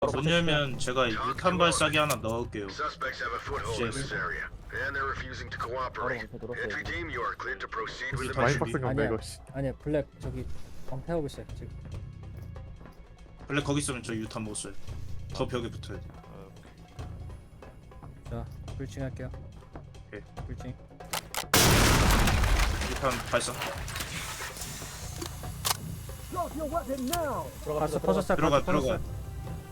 못 열면 제가 유탄 발사기 하나 넣을게요. Suspects have a foothold in this area, and they're refusing to cooperate. Entry team, you are cleared to proceed with the 많이 mission. 빡센 건데 아니야. 이거. 씨. 아니야 블랙 저기 방패하고 있어요 지금. 원래 거기 있으면 저 유탄 못 써요. 더 벽에 붙어야 돼. 자 불칭 할게요. 오케이. 불칭. 유탄 발사. 가스 터졌어요. 들어가 가스 들어가. 터졌어요.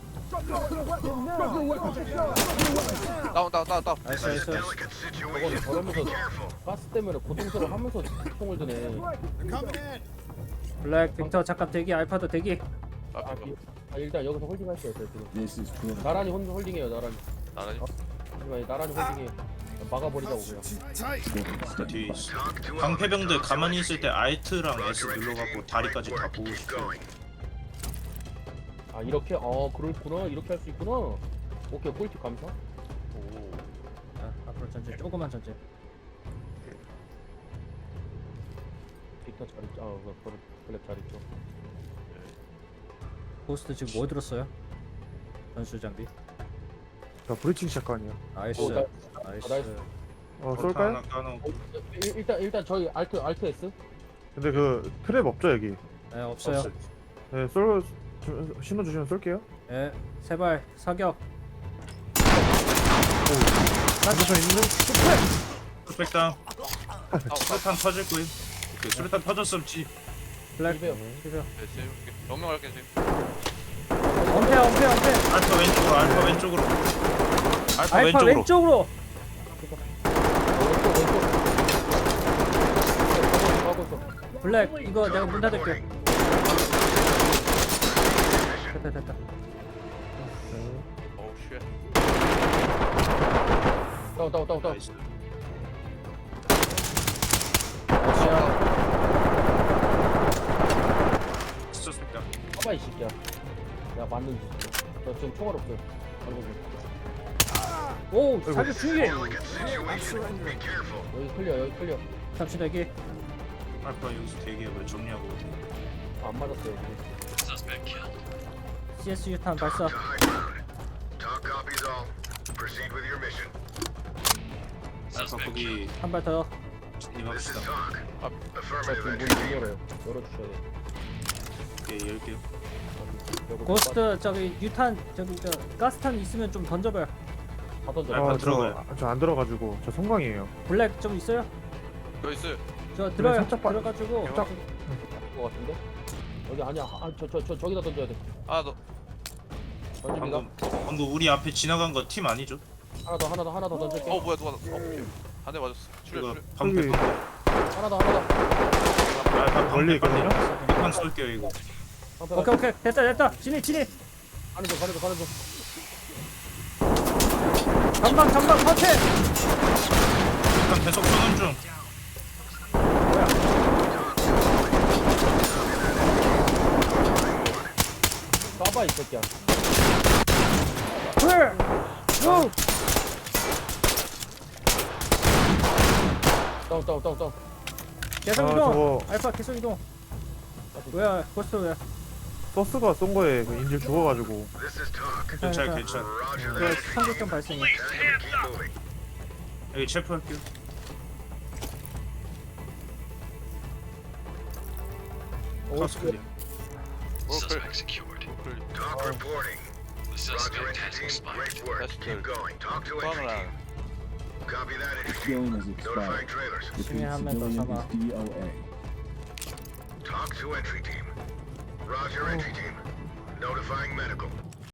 다운. 나이스 나이스. Delicate situation. Be careful. 가스 때문에 고통스러워 하면서 총을 드네. 블랙 빅터 잠깐 대기. 알파도 대기. 일단 여기서 홀딩할게요. 저 지금. This is good. 나란히 홀딩해요. 나란히. 나란히. 하지만 나란히 홀딩해. 막아버리자고 그냥. 뒤에 있어. Talk to 방패병들 가만히 있을 때 Alt랑 S 눌러갖고 다리까지 다 보고 Keep 싶어요. going. 아 이렇게? 그렇구나. 이렇게 할 수 있구나. 오케이 꿀팁 감사. 자 앞으로 전진. 조금만 전진. 빅터 잘 있죠. 블랙 잘 있죠. 고스트 지금 뭐 들었어요? 전술 장비. 자 브리칭 시작하네요. 나이스. 나- 나이스. 나이스. 쏠까요? 쏠까요? 하나 까놓고. 일단 저희 알트 S. 근데 그 트랩 없죠 여기. 네 없어요. 네, 신호 주시면 쏠게요. 네 세발 사격. 반대편 있는데? 수백당. 수류탄 터질 거예요. 오케이, 수류탄 터졌으면 지. 블랙. 이배요. 이배요. 명령할게 지금. 엄폐. 알파 왼쪽으로. 알파 왼쪽으로. 알파 알파 왼쪽으로. 왼쪽으로. 왼쪽. 블랙 이거 내가 문 닫을게. 됐다. 어우 쉣. 다운. 나이스. 수백당. 봐봐 이 새끼야. 야 맞는. 저 지금 총알 없어요. 오 사격 중계. Delicate situation. Be careful. 여기 클리어. 잠시 대기. 알파 여기서 대기해봐요. 정리하고 오세요. 안 맞았어요. CS 유탄 발사. To high ground. Talk copies all. Proceed with your mission. 알파 거기 한 발 더. This is 진입합시다. talk. Affirmative 지금 entry 문 team. 열어요. 열어주셔야 돼. 오케이, 열게요. 고스트 저기 유탄 저기 저 가스탄 있으면 좀 던져봐요. 다 던져. 알파 들어가요. 저 안 들어가지고 저 성광이에요. 블랙 좀 있어요? 여기 있어요. 저 들어요. 살짝 빠- 들어가지고 살짝- 것 같은데? 여기 아니야. 저기다 던져야 돼. 하나 더. 던집니다. 방금 우리 앞에 지나간 거 팀 아니죠? 하나 더 던질게. 뭐야 누가? 오케이. 한 대 맞았어. 이거 출혈. 방패. 여기- 하나 더. 알파 멀리 방패 있거든요? 빨리. 유탄 쏠게요 이거. 오케이 됐다 진입 가는 중. 전방 터치. 유탄 계속 쏘는 중. 까봐 이 새끼야. 풀 우. 다운. 계속 아, 이동. 저거- 알파 계속 이동. 왜 고스트 왜? 서스가 쏜 거에 그 인질 죽어가지고. This is talk. 괜찮아. Roger 그 that. 성격점 발생이. Keep moving. 여기 체포할게요. 카스 클리어. Suspect secured. Talk reporting. The Roger, suspect has entry team. expired. Great work. That's Keep good. going. Talk to entry Bangla. team. Copy that, entry team. Feeling is Notifying expired. trailers. Repeat, 한 명 더 civilian 삼아. is DOA. Talk to entry team. Roger, entry team. Notifying medical.